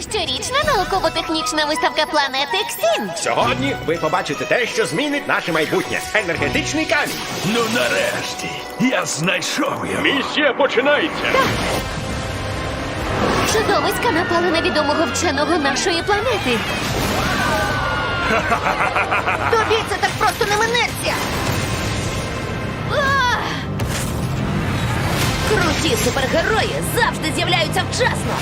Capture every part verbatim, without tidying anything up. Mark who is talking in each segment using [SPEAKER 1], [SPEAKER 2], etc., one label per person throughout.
[SPEAKER 1] Щорічна науково-технічна виставка планети Ксін.
[SPEAKER 2] Сьогодні ви побачите те, що змінить наше майбутнє. Енергетичний камінь.
[SPEAKER 3] Ну нарешті, я знайшов його.
[SPEAKER 2] Місія починається.
[SPEAKER 1] Чудовиська напали на відомого вченого нашої планети.
[SPEAKER 4] Тобі це так просто не минеться!
[SPEAKER 1] А! Круті супергерої завжди з'являються вчасно.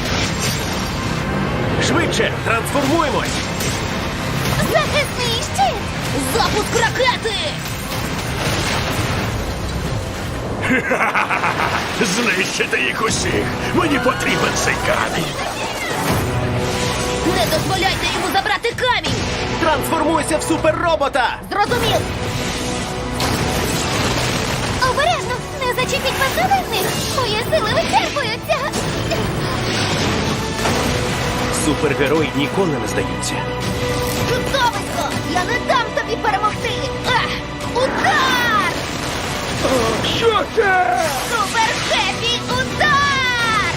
[SPEAKER 2] Швидше, трансформуємось.
[SPEAKER 1] Захисний щит! Запуск ракети!
[SPEAKER 3] Знищити їх усіх. Мені потрібен цей камінь.
[SPEAKER 1] Не дозволяйте йому забрати камінь!
[SPEAKER 2] Трансформуйся в суперробота.
[SPEAKER 4] Зрозумів!
[SPEAKER 1] Обережно! Не зачепіть посади в них! Мої сили вичерпуються!
[SPEAKER 2] Супергерої ніколи не здаються.
[SPEAKER 4] Чудовисько! Я не дам тобі перемогти! Ах! Удар!
[SPEAKER 2] Що це?
[SPEAKER 4] Супер Хеппі удар!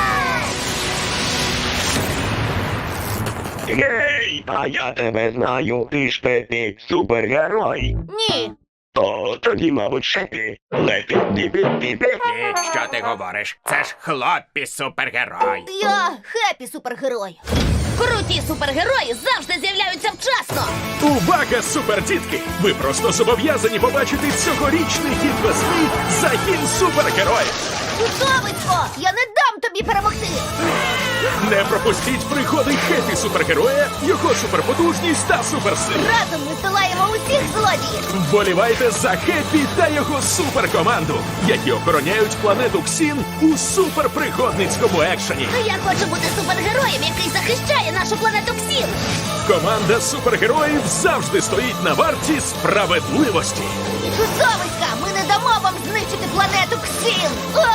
[SPEAKER 5] Гей, а я тебе знаю, ти ж Пепі супергерой.
[SPEAKER 4] Ні!
[SPEAKER 5] О, тоді, мабуть, Шепі. Лепі, піпі, піпі.
[SPEAKER 2] Що ти говориш? Це ж хлопці супергерой.
[SPEAKER 4] Я Хеппі супергерой!
[SPEAKER 1] Круті супергерої завжди з'являються вчасно!
[SPEAKER 3] Увага, супердітки! Ви просто зобов'язані побачити цьогорічний хід весни загін супергероїв.
[SPEAKER 4] Чудовисько! Я не дам тобі перемогти!
[SPEAKER 3] Не пропустіть пригоди хепі супергероя, його суперпотужність та суперсили.
[SPEAKER 4] Разом ми здолаємо усіх злодіїв!
[SPEAKER 3] Вболівайте за Хеппі та його суперкоманду, які охороняють планету Ксін у суперпригодницькому екшені.
[SPEAKER 1] Я хочу бути супергероєм, який захищає нашу планету Ксін!
[SPEAKER 3] Команда супергероїв завжди стоїть на варті справедливості.
[SPEAKER 4] Чудовиська! Ми не дамо вам знищити планету Ксін! О!